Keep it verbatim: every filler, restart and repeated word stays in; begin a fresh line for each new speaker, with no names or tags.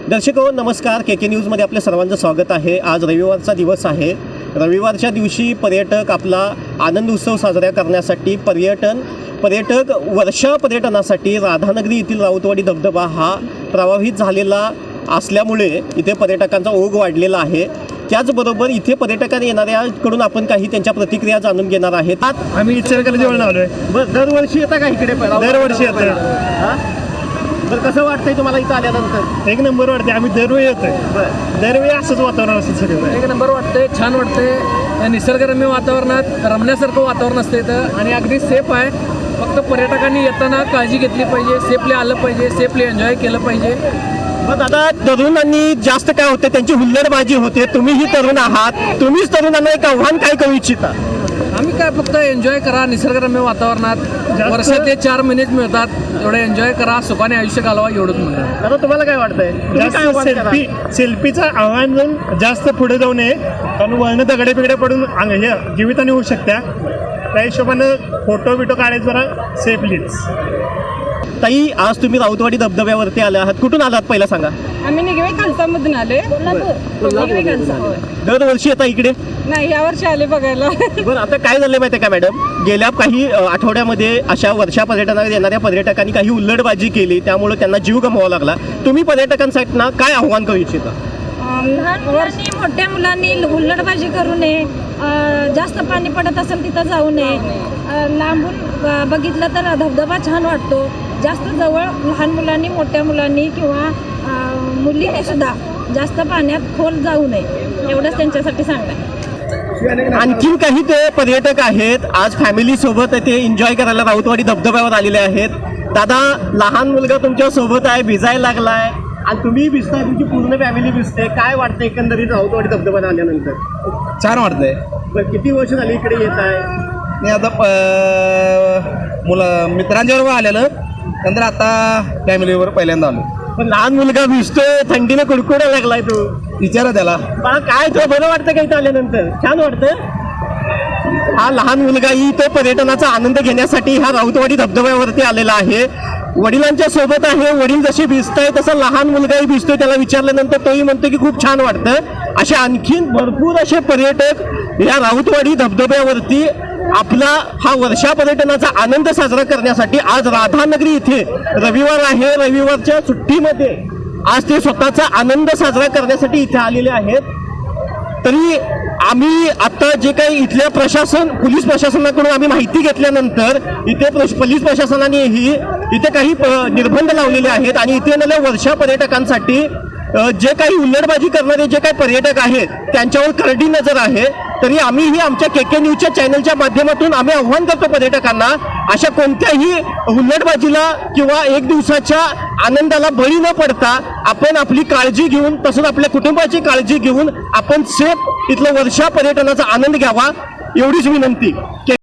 दर्शक हो नमस्कार, के के न्यूजमध्ये आपल्या सर्वांचं स्वागत आहे। आज रविवारचा दिवस आहे। रविवारच्या दिवशी पर्यटक आपला आनंद उत्सव साजरा करण्यासाठी पर्यटन पर्यटक वर्षा पर्यटनासाठी राधानगरी येथील राऊतवाडी धबधबा हा प्रभावित झालेला असल्यामुळे इथे पर्यटकांचा ओघ वाढलेला आहे। त्याचबरोबर इथे पर्यटकांना येणाऱ्याकडून आपण काही त्यांच्या प्रतिक्रिया जाणून घेणार आहोत।
आम्ही इचलकरंजी जवळ आलोय।
बरं, दरवर्षी येता का इकडे?
दरवर्षी येतोय।
हां, बरं, कसं वाटतंय तुम्हाला इथं आल्यानंतर?
एक नंबर वाटते। आम्ही दरवेळी येतोय।
बरं,
दरवेळी असंच वातावरण असतं सगळं।
एक नंबर वाटतंय, छान वाटतंय। या निसर्गरम्य वातावरणात रमण्यासारखं वातावरण असतं इथं आणि अगदी सेफ आहे। फक्त पर्यटकांनी येताना काळजी घेतली पाहिजे, सेफली आलं पाहिजे, सेफली एन्जॉय केलं पाहिजे।
मग आता तरुणांनी जास्त काय होते, त्यांची हुल्लडबाजी होते। तुम्हीही तरुण आहात, तुम्हीच तरुणांना एक आव्हान काय करू इच्छिता?
आम्ही काय फक्त एन्जॉय करा निसर्गरम्य वातावरणात। वर्षातले चार महिनेच मिळतात, एवढे एन्जॉय करा, सुखाने आयुष्य घालवा, एवढंच म्हणतात।
आता तुम्हाला काय वाटतंय? तुम्ही काय
जास्त
आव्हान
सेल्फी
कराल?
सेल्फीचं आव्हान जाऊन जास्त पुढे जाऊ नये, कारण वळणं दगडे बिगडे पडून अंग- हे जीवितहानी होऊ शकत्या। त्या हिशोबानं फोटो बिटो काढायचं जरा सेफलीच।
ताई, आज तुम्ही राऊतवाडी धबधब्यावरती आले आहात, कुठून आलात पहिला सांगा?
आम्ही निगवे खालसामधून आले निगवे खालसा होय.
दरवर्षी येता इकडे?
नाही, या वर्षी आले बघायला.
बरं, आता काय झालं माहिती आहे का मॅडम, गेल्या काही अ, आठवड्यामध्ये अशा वर्षा पर्यटनाला येणाऱ्या पर्यटकांनी काही हुल्लडबाजी केली, त्यामुळे त्यांना जीव गमवावा लागला। तुम्ही पर्यटकांसाठी ना काय आव्हान करू इच्छिता?
अं,
लहान मुलांनी मोठ्या मुलांनी हुल्लडबाजी करू नये, अं, जास्त पाणी पडत असेल तिथं जाऊ नये, अं, लांबून अं, बघितलं तर धबधबा छान वाटतो। जास्त जवळ लहान मुलांनी मोठ्या मुलांनी किंवा अं, मुलींनी सुद्धा जास्त पाण्यात खोल जाऊ नये, एवढंच त्यांच्यासाठी सांगणं आहे।
आणखीन काही ते पर्यटक आहेत, आज फॅमिली सोबत ते एन्जॉय करायला राऊतवाडी धबधब्यावर आलेले आहेत। दादा, लहान मुलगा तुमच्या सोबत आहे, भिजायला लागलाय आणि तुम्ही भिजताय, तुमची पूर्ण फॅमिली भिजते, काय वाटतं एकंदरीत राऊतवाडी धबधब्याला आल्यानंतर?
छान वाटतंय।
बरं, किती वर्ष झाली इकडे येत आहे?
मी आता प- मुलं मित्रांच्याबरोबर आलेलं, नंतर आता फॅमिलीवर पहिल्यांदा आलो।
पण लहान मुलगा भिजतोय, थंडीने कुडकुडा लागलाय तू,
विचारा त्याला।
मला काय तुला बरं वाटतं का इथं आल्यानंतर? छान वाटतं? हा लहान मुलगाही तो पर्यटनाचा आनंद घेण्यासाठी ह्या राऊतवाडी धबधब्यावरती आलेला आहे। वडिलांच्या सोबत आहे, वडील जसे भिजताय तसं लहान मुलगाही भिजतोय। त्याला विचारल्यानंतर तोही म्हणतो की खूप छान वाटतं। असे आणखीन भरपूर असे पर्यटक या राऊतवाडी धबधब्यावरती आपला हा वर्षा पर्यटनाचा आनंद साजरा करण्यासाठी आज राधानगरी इथे रविवार आहे, रविवारच्या सुट्टीमध्ये आज ते स्वतःचा आनंद साजरा करण्यासाठी इथे आलेले आहेत। तरी आम्ही आता जे काही इथल्या प्रशासन पोलीस प्रशासनाकडून आम्ही माहिती घेतल्यानंतर इथे प्रश- पोलीस प्रशासनानेही इथे काही प- निर्बंध लावलेले आहेत आणि इथे येणाऱ्या वर्षा पर्यटकांसाठी अ, जे काही हुल्लडबाजी करणारे जे काही पर्यटक आहेत त्यांच्यावर करडी नजर आहे। तरी आम्हीही आमच्या के के न्यूजच्या चॅनलच्या माध्यमातून आम्ही आव्हान करतो पर्यटकांना, अशा कोणत्याही हुल्लडबाजीला किंवा एक दिवसाच्या आनंदाला बळी न पडता आपण आपली काळजी घेऊन, तसंच आपल्या कुटुंबाची काळजी घेऊन आपण सेफ इथलं वर्षा पर्यटनाचा आनंद घ्यावा, एवढीच विनंती।